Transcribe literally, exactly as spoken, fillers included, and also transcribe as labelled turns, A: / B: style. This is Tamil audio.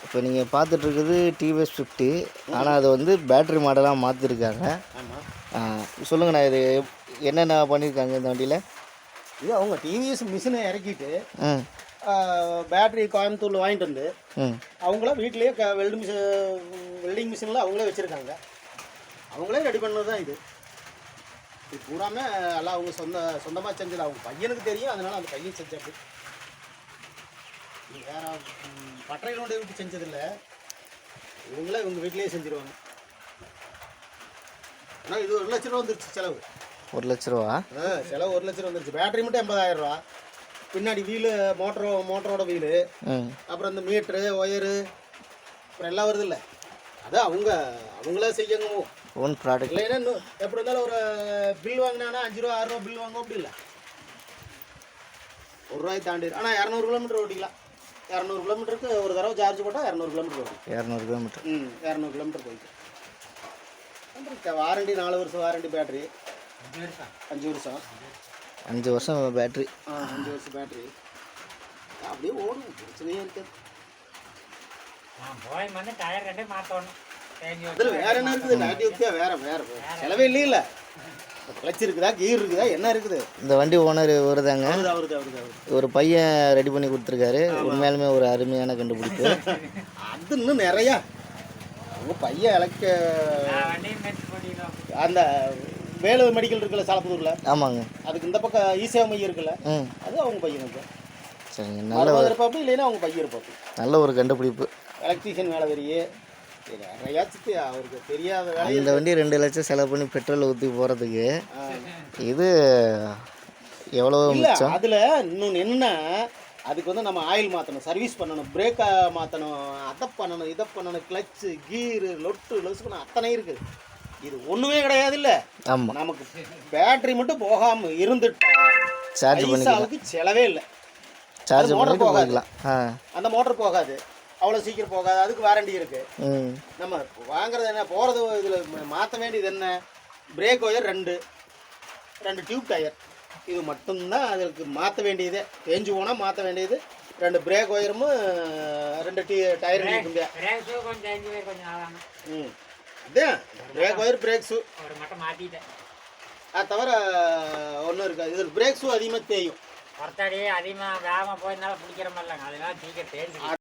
A: இப்போ நீங்கள் பார்த்துட்ருக்குது டிவிஎஸ் ஃபிஃப்டி, ஆனால் அது வந்து பேட்ரி மாடலாக மாற்றிருக்காங்க.
B: ஆமாம்,
A: சொல்லுங்கண்ணா, இது என்னென்ன பண்ணியிருக்காங்க இந்த வண்டியில்?
B: இது அவங்க டிவிஎஸ் மிஷினை இறக்கிட்டு
A: ம்
B: பேட்டரி கோயம்புத்தூரில் வாங்கிட்டு வந்து
A: ம்
B: அவங்களாம் வீட்லேயே க வெல்டிங் மிஷின் வெல்டிங் மிஷினில் அவங்களே வச்சுருக்காங்க. அவங்களே ரெடி பண்ணது தான் இது. இது பூராமே எல்லாம் அவங்க சொந்த சொந்தமாக செஞ்சது. அவங்க பையனுக்கு தெரியும், அதனால் அந்த பையன் செஞ்சாப்பு. இது வேறு பட்டறைகளோட விட்டு செஞ்சதில்லை, இவங்களே இவங்க வீட்லேயே செஞ்சுருவாங்க. ஆனால் இது ஒரு லட்ச ரூபா வந்துருச்சு செலவு.
A: ஒரு லட்ச ரூபா
B: ஆ செலவு ஒரு லட்ச ரூபா வந்துருச்சு. பேட்டரி மட்டும் எண்பதாயிரம் ரூபா, பின்னாடி வீலு மோட்டரோ மோட்டரோட வீலு,
A: ம்
B: அப்புறம் இந்த மீட்ரு ஒயரு அப்புறம் எல்லாம் வருது இல்லை. அதான் அவங்க அவங்களே செய்யங்க.
A: ஓன் ப்ராடக்ட்
B: இல்லைன்னா இன்னும் எப்படி இருந்தாலும் ஒரு பில் வாங்கினானா அஞ்சு ரூபா ஆறு ரூபா பில் வாங்க அப்படி இல்லை, ஒரு ரூபாய் தாண்டி. ஆனால் இரநூறு கிலோமீட்டர் ஓட்டிக்கலாம். இரநூறு கிலோமீட்டருக்கு ஒரு தடவை சார்ஜ் போட்டால் இரநூறு கிலோமீட்டர் ஓடும்.
A: இரநூறு கிலோமீட்டர்
B: ம் இரநூறு கிலோமீட்டர் போயிட்டு வாரண்டி நாலு வருஷம் வாரண்டி. பேட்டரி அஞ்சு வருஷம்
A: அஞ்சு வருஷம் பேட்ரி.
B: ஆ அஞ்சு வருஷம் பேட்டரி அப்படியே ஓடும், பிரச்சனையே இருக்காது. அதில் வேற என்ன இருக்குது? நேட்டிவிட்டியா வேற வேற செலவே இல்லையில. கிளச் இருக்குதா, கீர் இருக்குதா, என்ன இருக்குது?
A: இந்த வண்டி ஓனர் வருதாங்க,
B: அவருது அவருது அவருது அவருது
A: ஒரு பையன் ரெடி பண்ணி கொடுத்துருக்காரு. உண்மையாலுமே ஒரு அருமையான கண்டுபிடிப்பு.
B: அது இன்னும் நிறையா அவங்க பையன் இலக்க அந்த வேலூர் மெடிக்கல் இருக்குல்ல சாலப்புதூரில்,
A: ஆமாங்க,
B: அதுக்கு இந்த பக்கம் ஈசேவ மையம் இருக்குல்ல,
A: ம்
B: அது அவங்க பையனுக்கு.
A: சரிங்க, நல்ல
B: நல்ல இருப்பாப்பு, இல்லைன்னா அவங்க பையன் இருப்பாப்பு.
A: நல்ல ஒரு கண்டுபிடிப்பு.
B: எலக்ட்ரீஷியன் வேலை வெறியே நிறையாச்சு அவருக்கு தெரியாத வேலை.
A: இந்த வண்டி ரெண்டு லட்சம் செலவு பண்ணி பெட்ரோல் ஊற்றி போகிறதுக்கு இது எவ்வளோ
B: இல்லை.
A: மிச்சம்.
B: அதில் இன்னொன்று என்னென்னா, அதுக்கு வந்து நம்ம ஆயில் மாற்றணும், சர்வீஸ் பண்ணணும், பிரேக்கை மாற்றணும், அதை பண்ணணும், இதை பண்ணணும், கிளச்சு கீரு லொட்டு லொசுக்கணும், அத்தனை இருக்குது. இது ஒன்றுமே கிடையாது இல்லை.
A: ஆமாம்,
B: நமக்கு பேட்டரி மட்டும் போகாமல் இருந்துட்டா
A: சார்ஜ் பண்ணிக்கலாம்.
B: பைசாவுக்கு செலவே இல்லை.
A: சார்ஜ்
B: மோட்டர்
A: பண்ணிட்டு
B: போகாது,
A: போய்க்கலாம். ஆ
B: அந்த மோட்டர் போகாது, அவ்வளோ சீக்கிரம் போகாது. அதுக்கு வாரண்டி இருக்குது.
A: ம்
B: நம்ம வாங்குறது என்ன, போகிறது இதில் மாற்ற வேண்டியது என்ன, பிரேக் ஒயர் ரெண்டு ரெண்டு டியூப் டயர், இது மட்டும்தான் அதுக்கு மாற்ற வேண்டியதே. தேஞ்சு போனால் மாற்ற வேண்டியது ரெண்டு பிரேக் ஒயரும் ரெண்டு டீ டயர் நிற்கும். ம் அதான் பிரேக் ஒயர் பிரேக் ஷூ அது தவிர ஒன்றும் இருக்காது. இதில் பிரேக் ஷூ அதிகமாக தேயும்.
C: ஒருத்தடி அதிகமாக வேகமாக போயிருந்தாலும் பிடிக்கிற மாதிரிலாங்க, அதெல்லாம் சீக்கிரம் தேஞ்சு